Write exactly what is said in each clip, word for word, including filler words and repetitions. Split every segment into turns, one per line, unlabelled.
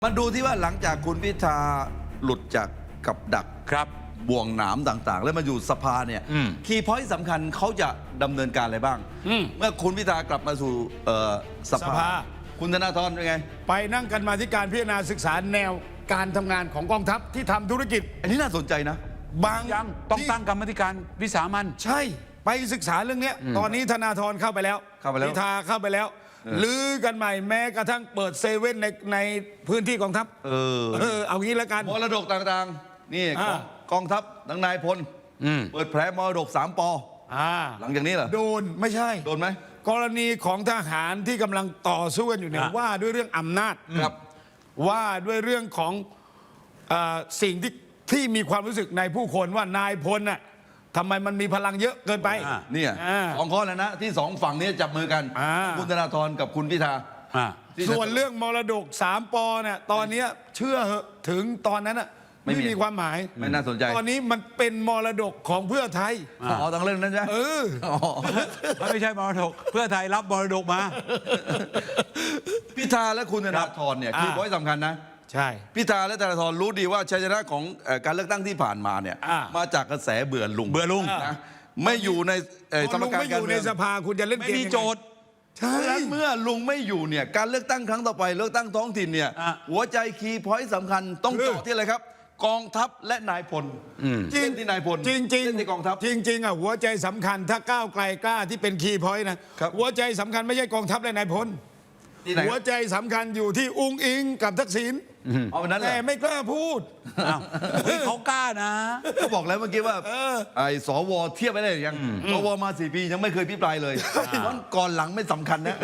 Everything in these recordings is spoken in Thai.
มาดูที่ว่าหลังจากคุณพิธาหลุดจากกับดัก
ครับ
บ่วงหนามต่างๆ แล้วมาอยู่สภาเนี่ยคีย์พอยต์สำคัญเขาจะดำเนินการอะไรบ้างเมื่อคุณพิธากลับมาสู่สภาคุณธนาธรเป็นไง
ไปนั่งกันมาที่การพิจารณาศึกษาแนวการทำงานของกองทัพที่ทำธุรกิจ
อันนี้น่าสนใจนะ
บาง
ยังต้องตั้งกรรมธิการวิสามัญ
ใช่ไปศึกษาเรื่องนี้ตอนนี้ธนาธรเข้าไปแล้วพิธาเข้าไปแล้วลือกันใหม่แม้กระทั่งเปิดเซเว่นในในพื้นที่กองทัพเออเออเอางี้แล้วกัน
มรดกต่างๆนี่กองทัพทั้งนายพลเปิดแผลมรดกสามปอหลังจากนี้เหรอ
โดนไม่ใช่
โดนไหม
กรณีของทหารที่กำลังต่อสู้กันอยู่เนี่ยว่าด้วยเรื่องอำนาจ
ครับ
ว่าด้วยเรื่องของสิ่งที่ที่มีความรู้สึกในผู้คนว่านายพลน่ะทำไมมันมีพลังเยอะเกินไป
เนี่ยสองข้อแล้วนะที่สองฝั่งนี้จับมือกันคุณธนาธรกับคุณพิธา
ส่วนเรื่องมรดกสามปอเนี่ยตอนนี้เชื่อเหอะถึงตอนนั้นอ่ะไม่มีความหมาย
ไม่น่าสนใจ
ตอนนี้มันเป็นมรดกของเพื่อไทย
อ๋อตั้งเรื่องนั้นใช่
เออ
ไม่ใช่มรดกเพื่อไทยรับมรดกมา
พิธาและคุณธนาธรเนี่ยคือพอยต์สำคัญนะ
ใช่
พิธาและธนาธรรู้ดีว่าชัยชนะของการเลือกตั้งที่ผ่านมาเนี่ยมาจากกระแสเบื่อลุง
เบื่อลุง
นะไม่อยู่ในสมการ
การเมืองไม่อยู่ในสภาคุณจะเล่นเกม
ไม่มีโจทย์
ใช่เมื่อลุงไม่อยู่เนี่ยการเลือกตั้งครั้งต่อไปเลือกตั้งท้องถิ่นเนี่ยหัวใจคีย์พอยต์สำคัญต้องเจาะที่อะไรครับกองทัพและนายพล
จริง
ที่นายพล
จริงจริง
ที่กองทัพ
จริงจริงอ่ะหัวใจสำคัญถ้าก้าวไกลกล้าที่เป็นคีย์พอยต์นะหัวใจสำคัญไม่ใช่กองทัพและนายพลหัวใจสำคัญอยู่ที่อุ้งอิงกับทักษิณ
เอาแบบนั้นแหละ
แต่ไม่กล้าพูด
เขากล้านะ
เขาบอกแล้วเมื่อกี้ว่าไอ้สวเทียบไปได้ยังสวมาสี่ปียังไม่เคยพิปรายเลยวันก่อนหลังไม่สำคัญนะ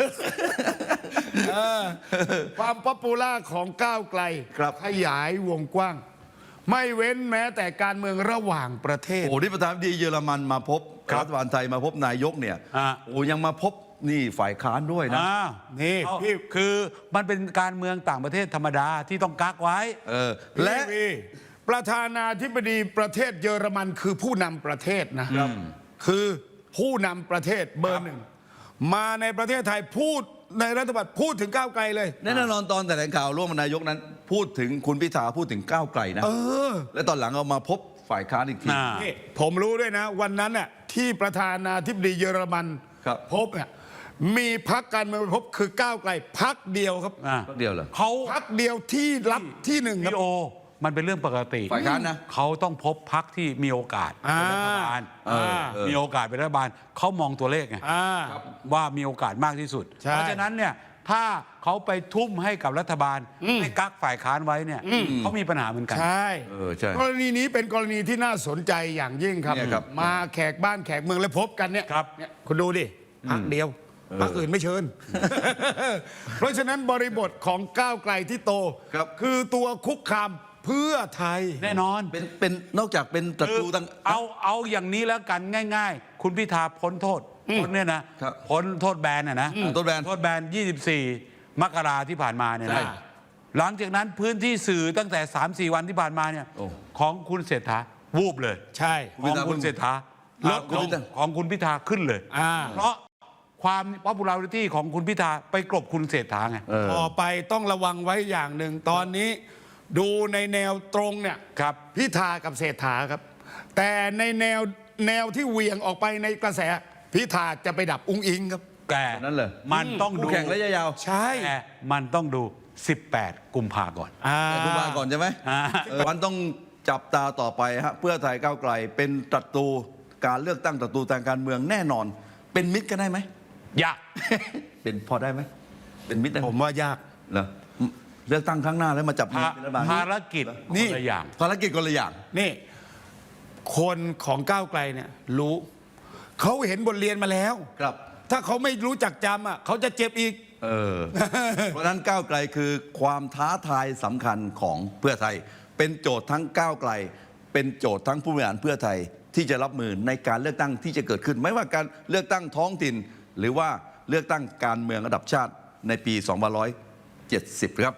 ความป๊อปปูล่าของก้าวไกลขยายวงกว้างไม่เว้นแม้แต่การเมืองระหว่างประเทศ
โอ้ที่ประธานาธิบดีเยอรมันมาพบรัฐบาลไทยมาพบนายกเนี่ยโอ้ยังมาพบนี่ฝ่ายค้านด้วยนะ
นี่พี่คือมันเป็นการเมืองต่างประเทศธรรมดาที่ต้องกักไว้
เออและ
ประธานาธิบดีประเทศเยอรมันคือผู้นำประเทศนะคือผู้นำประเทศเบอร์หนึ่งมาในประเทศไทยพูดในรัฐบาลพูดถึงก้าวไกลเลย
แน่นอนตอนแถลงข่าวร่วมนายกนั้นพูดถึงคุณพิธาพูดถึงก้าวไกลนะและตอนหลังเอามาพบฝ่ายค้านอีกที
ผมรู้ด้วยนะวันนั้นน่ะที่ประธานาธิบดีเยอรมันพบเนี่ยมีพรรคการเมืองพบคือก้าวไกลพรรคเดียวครับ
พรรคเดียวเหรอ
เขาพรรคเดียวที่รับที่หนึ่งครับ
โอมันเป็นเรื่องปกติ
ฝ่ายค้านนะ
เขาต้องพบพรรคที่มีโอกาสเป็นรัฐบาลมีโอกาสเป็นรัฐบาลเขามองตัวเลขไงว่ามีโอกาสมากที่สุดเพราะฉะนั้นเนี่ยถ้าเขาไปทุ่มให้กับรัฐบาลให้กักฝ่ายค้านไว้เนี่ยเขามีปัญหาเหมือนกัน
ใช่กรณีนี้เป็นกรณีที่น่าสนใจอย่างยิ่งครับมาแขกบ้านแขกเมืองแล้วพบกันเนี่ยคุณดูดิพรรคเดียวพรรคอื่นไม่เชิญเพราะฉะนั้นบริบทของก้าวไกลที่โตคือตัวคุกคามเพื่อไทย
แน่นอน
เป็นเป็นนอกจากเป็นศัตรูตั้ง
เอาเอาอย่างนี้แล้วกันง่ายๆคุณพิธาพ้นโทษพ้นเนี่ยนะพ้นโทษแบนน่ะนะ
โทษแบน
โทษแบนยี่สิบสี่มกราที่ผ่านมาเนี่ยนะหลังจากนั้นพื้นที่สื่อตั้งแต่ สามสี่ วันที่ผ่านมาเนี่ยของคุณเศรษฐาวูบเลย
ใช่
ของคุณเศรษฐาลดของคุณพิธาขึ้นเลยเพราะความ popularity ของคุณพิธาไปกลบคุณเศรษฐาไง
ต่อไปต้องระวังไว้อย่างหนึ่งตอนนี้ดูในแนวตรงเนี่ย
ครับ
พิธากับเศรษฐาครับแต่ในแนวแนวที่เหวี่ยงออกไปในกระแสพิธาจะไปดับอุ้งอิงครับ
แกนั่นเลย
มันต้องดู
แข่งระยะยาว
ใช่
แต่มันต้องดูสิบแปดกุมภาก่อน
กุมภาก่อนใช่ไหมวันต้องจับตาต่อไปฮะเพื่อไทยก้าวไกลเป็นศัตรูการเลือกตั้งศัตรูทางการเมืองแน่นอนเป็นมิตรกันได้ไหม
ยาก
เป็นพอได้ไหมเป็นมิตร
ผมว่ายาก
เหรอเลือกตั้งครั้งหน้าแล้วมาจับมือ
เป็นรัฐบาลภารกิจ
นี่
คนละอย่าง
ภารกิจคนละอย่าง
นี่คนของก้าวไกลเนี่ยรู้เขาเห็นบทเรียนมาแล้ว
ครับ
ถ้าเขาไม่รู้จักจำอ่ะเขาจะเจ็บอีก
เออ เพราะนั้นก้าวไกลคือความท้าทายสำคัญของเพื่อไทยเป็นโจทย์ทั้งก้าวไกลเป็นโจทย์ทั้งผู้บริหารเพื่อไทยที่จะรับมือในการเลือกตั้งที่จะเกิดขึ้นไม่ว่าการเลือกตั้งท้องถิ่นหรือว่าเลือกตั้งการเมืองระดับชาติในปีสองพันห้าร้อยเจ็ดสิบครับ